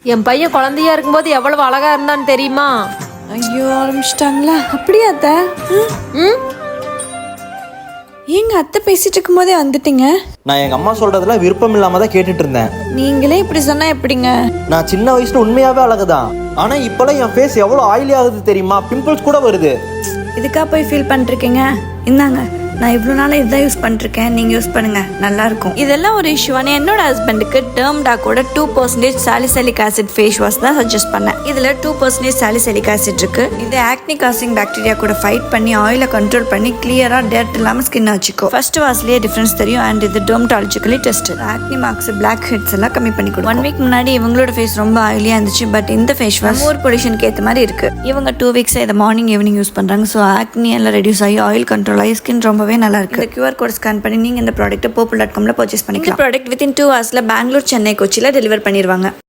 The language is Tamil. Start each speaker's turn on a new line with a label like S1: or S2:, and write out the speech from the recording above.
S1: என் பையன் குழந்தையா இருக்கும்போது எவ்வளவு அழகா இருந்தான்னு தெரியுமா?
S2: ஐயோ ஆரம்பிச்சிட்டாங்களா? அப்படியா அத்தை?
S1: ம்
S2: ஏங்க அத்தை பேசிட்டு இருக்கும் போதே வந்துட்டீங்க?
S3: நான் எங்கள் அம்மா சொல்கிறதுல விருப்பம் இல்லாமல் தான் கேட்டுட்டு இருந்தேன்.
S2: நீங்களே இப்படி சொன்னா எப்படிங்க?
S3: நான் சின்ன வயசுல உண்மையாகவே அழகுதான். ஆனால் இப்போலாம் என் ஃபேஸ் எவ்வளோ ஆயிலி ஆகுது தெரியுமா? பிம்பிள்ஸ் கூட வருது.
S2: இதுக்கா போய் ஃபீல் பண்ணிருக்கீங்க? இந்தாங்க, நான் இவ்வளோ நாளாக இதுதான் யூஸ் பண்ணிருக்கேன், நீங்கள் யூஸ் பண்ணுங்க, நல்லா இருக்கும். இதெல்லாம் ஒரு இஷ்யூவான என்னோட ஹஸ்பண்டுக்கு டேர்ம்டாக்கோட 2% சாலிசைலிக் ஆசிட் ஃபேஸ் வாஷ் தான் சஜஸ்ட் பண்ணேன். இதில் 2% சாலிசைலிக் ஆசிட் இருக்கு. இது ஆக்னி காசிங் பாக்டீரியா கூட ஃபைட் பண்ணி ஆயிலை கண்ட்ரோல் பண்ணி கிளியரா டேட் இல்லாமல் ஸ்கின் வச்சுக்கோ. ஃபர்ஸ்ட் வாஷ்லேயே டிஃபரன்ஸ் தெரியும். அண்ட் இது dermatologically test. Acne marks, blackheads எல்லாம் கம்மி பண்ணி கொடுக்கும். 1 வீக் முன்னாடி இவங்களோட ஃபேஸ் ரொம்ப ஆயிலியா இருந்துச்சு. பட் இந்த ஃபேஸ் வாஷ் ஊர் பொல்யூஷனுக்கு ஏற்ற மாதிரி இருக்கு. இவங்க 2 வீக்ஸ் இதை மார்னிங் ஈவினிங் யூஸ் பண்றாங்க. ஸோ ஆக்னி எல்லாம் ரெடியூஸ் ஆகி ஆயில் கண்ட்ரோல் ஆகி ஸ்கின் ரொம்பவே நல்லா இருக்கு. இந்த QR கோட் ஸ்கேன் பண்ணி நீங்க இந்த ப்ராடக்ட்டை popul.com பர்ச்சேஸ் பண்ணிக்கலாம். இந்த product within 2 hours Bangalore, Chennai, கொச்சியில் டெலிவர் பண்ணிடுவாங்க.